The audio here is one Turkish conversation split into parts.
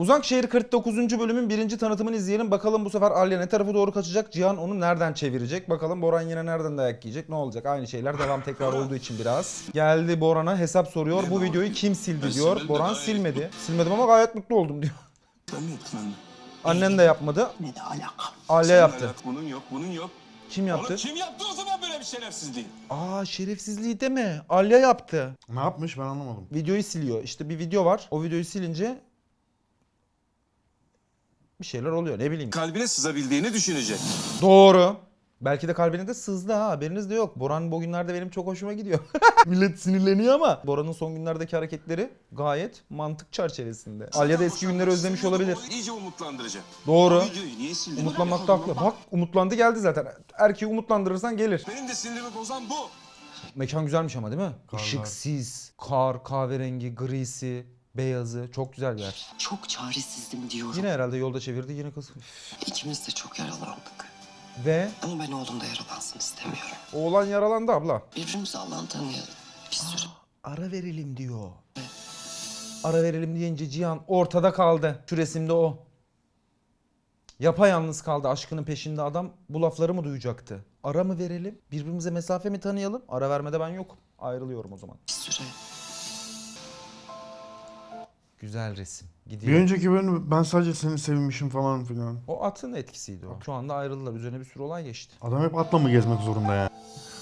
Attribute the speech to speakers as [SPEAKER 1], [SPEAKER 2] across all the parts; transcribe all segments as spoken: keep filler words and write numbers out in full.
[SPEAKER 1] Uzakşehir kırk dokuzuncu bölümün birinci tanıtımını izleyelim. Bakalım bu sefer Alya ne tarafa doğru kaçacak? Cihan onu nereden çevirecek? Bakalım Boran yine nereden dayak yiyecek? Ne olacak? Aynı şeyler devam tekrar olduğu için biraz. Geldi Boran'a hesap soruyor. Bu videoyu kim sildi diyor. Boran silmedi. Silmedim ama gayet mutlu oldum diyor.
[SPEAKER 2] Ben mi yaptım anne?
[SPEAKER 1] Annen de yapmadı.
[SPEAKER 2] Ne de alaka?
[SPEAKER 1] Alya yaptı.
[SPEAKER 2] Bunun yok, bunun yok.
[SPEAKER 1] Kim yaptı?
[SPEAKER 2] Oğlum kim yaptı o zaman böyle bir şerefsizliği?
[SPEAKER 1] Aa, şerefsizliği deme. Alya yaptı.
[SPEAKER 3] Ne yapmış ben anlamadım.
[SPEAKER 1] Videoyu siliyor. İşte bir video var. O videoyu silince bir şeyler oluyor, ne bileyim.
[SPEAKER 2] Kalbine sızabildiğini düşünecek.
[SPEAKER 1] Doğru. Belki de kalbine de sızdı ha, haberiniz de yok. Boran bugünlerde benim çok hoşuma gidiyor. Millet sinirleniyor ama Boran'ın son günlerdeki hareketleri gayet mantık çerçevesinde. Alya da eski günleri özlemiş olabilir.
[SPEAKER 2] İyice umutlandıracak.
[SPEAKER 1] Doğru.
[SPEAKER 2] O videoyu niye sildin?
[SPEAKER 1] Umutlanmakta haklı. Bak, umutlandı geldi zaten. Erkeği umutlandırırsan gelir.
[SPEAKER 2] Benim de sinirimi bozan bu.
[SPEAKER 1] Mekan güzelmiş ama değil mi?
[SPEAKER 3] Karlar.
[SPEAKER 1] Işıksız, kar, kahverengi, grisi, beyazı. Çok güzel bir yer.
[SPEAKER 4] Çok çaresizdim diyorum.
[SPEAKER 1] Yine herhalde yolda çevirdi, yine kız.
[SPEAKER 4] İkimiz de çok yaralandık.
[SPEAKER 1] Ve
[SPEAKER 4] Ama ben oğlum da yaralansın istemiyorum.
[SPEAKER 1] oğlan yaralandı abla.
[SPEAKER 4] Birbirimizi Allah'ın tanıyalım. Bir süre.
[SPEAKER 1] Ara verelim diyor. Ara verelim deyince Cihan ortada kaldı. Şu resimde o. Yapayalnız kaldı aşkının peşinde adam. Bu lafları mı duyacaktı? Ara mı verelim? Birbirimize mesafe mi tanıyalım? Ara vermede ben yokum. Ayrılıyorum o zaman.
[SPEAKER 4] Bir süre.
[SPEAKER 1] Güzel resim.
[SPEAKER 3] Bir
[SPEAKER 1] Gidiyor.
[SPEAKER 3] önceki bölüm ben sadece seni sevmişim falan filan.
[SPEAKER 1] O atın etkisiydi o. Şu anda ayrıldılar. Üzerine bir sürü olay geçti.
[SPEAKER 3] Adam hep atla mı gezmek zorunda ya?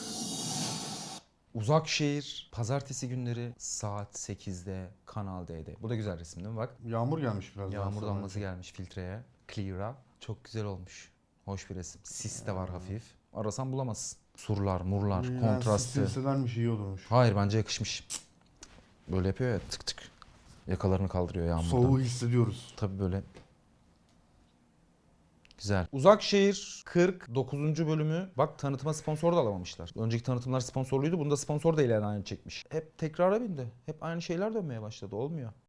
[SPEAKER 1] Uzakşehir pazartesi günleri saat sekizde Kanal D'de. Bu da güzel resim değil mi? Bak.
[SPEAKER 3] Yağmur gelmiş biraz. daha
[SPEAKER 1] Yağmur
[SPEAKER 3] sonra.
[SPEAKER 1] damlası gelmiş filtreye. Clear'a. Çok güzel olmuş. Hoş bir resim. Sis de var hafif. Arasan bulamazsın. Surlar, murlar,
[SPEAKER 3] Yani
[SPEAKER 1] kontrastı.
[SPEAKER 3] silselermiş iyi olurmuş.
[SPEAKER 1] Hayır, bence yakışmış. Böyle yapıyor ya, tık tık. Yakalarını kaldırıyor yağmurdan.
[SPEAKER 3] Soğuğu hissediyoruz.
[SPEAKER 1] Tabii böyle. Güzel. Uzakşehir kırk dokuzuncu bölümü. Bak, tanıtıma sponsor da alamamışlar. Önceki tanıtımlar sponsorluydu. Bunda sponsor da ilan aynı çekmiş. Hep tekrara bindi. Hep aynı şeyler dönmeye başladı. Olmuyor.